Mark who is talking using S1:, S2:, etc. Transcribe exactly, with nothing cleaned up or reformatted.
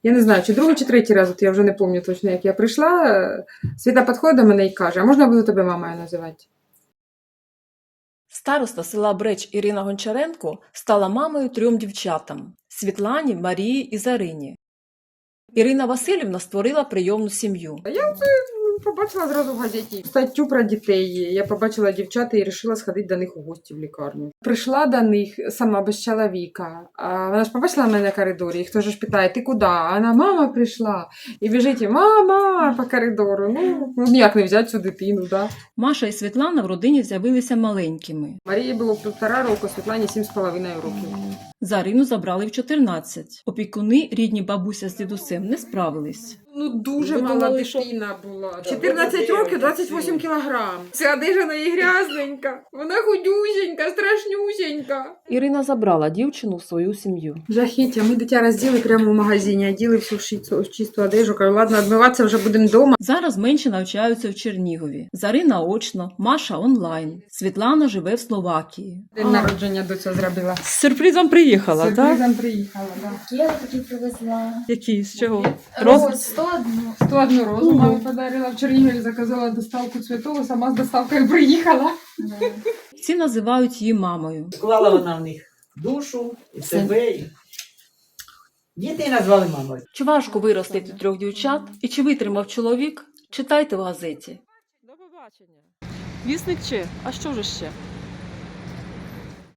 S1: Я не знаю, чи другий, чи третій раз, от я вже не пам'ятаю точно, як я прийшла. Світа підходить до мене і каже, а можна буду тебе мамою називати?
S2: Староста села Бреч Ірина Гончаренко стала мамою трьом дівчатам – Світлані, Марії і Зарині. Ірина Васильівна створила прийомну сім'ю.
S1: Я це побачила зразу в газеті статтю про дітей. Я побачила дівчат і вирішила сходити до них у гості в лікарню. Прийшла до них сама без чоловіка. А вона ж побачила мене на коридорі, і хто ж питає, ти куди? А вона, мама прийшла. І біжить, і мама по коридору. Ну, ніяк не взяти цю дитину, да.
S2: Маша і Світлана в родині з'явилися маленькими.
S1: Марії було півтора року, Світлані сім з половиною років.
S2: Зарину забрали в чотирнадцять. Опікуни, рідні бабуся з дідусем, не справились.
S1: Ну, дуже
S2: Ви
S1: мала
S2: думали, що-
S1: дитина була. чотирнадцять років, двадцять вісім кілограм. Ця одежа неї грязненька. Вона худюсенька, страшнюсенька.
S2: Ірина забрала дівчину в свою сім'ю.
S1: Жахіття, ми дитя розділи прямо в магазині, оділи всю в чисту одежу. Кажу, ладно, відмиватися вже будемо вдома.
S2: Зараз менші навчаються в Чернігові. Зарина очно, Маша онлайн. Світлана живе в Словакії.
S1: День народження до цього зробила.
S2: З сюрпризом приїхала,
S1: Сюрпризом приїхала, так.
S3: Я такі привезла.
S2: Який? З чого?
S3: Роз сто одну.
S1: сто одну розу мамі подарила. В Чернігові заказала доставку цвітов, сама з доставкою приїхала.
S2: Всі називають її мамою.
S4: Вклала вона в них душу і себе. І... Діти назвали мамою.
S2: Чи важко виростити трьох дівчат? І чи витримав чоловік? Читайте в газеті.
S5: До побачення. Вісник чи? А що ж ще?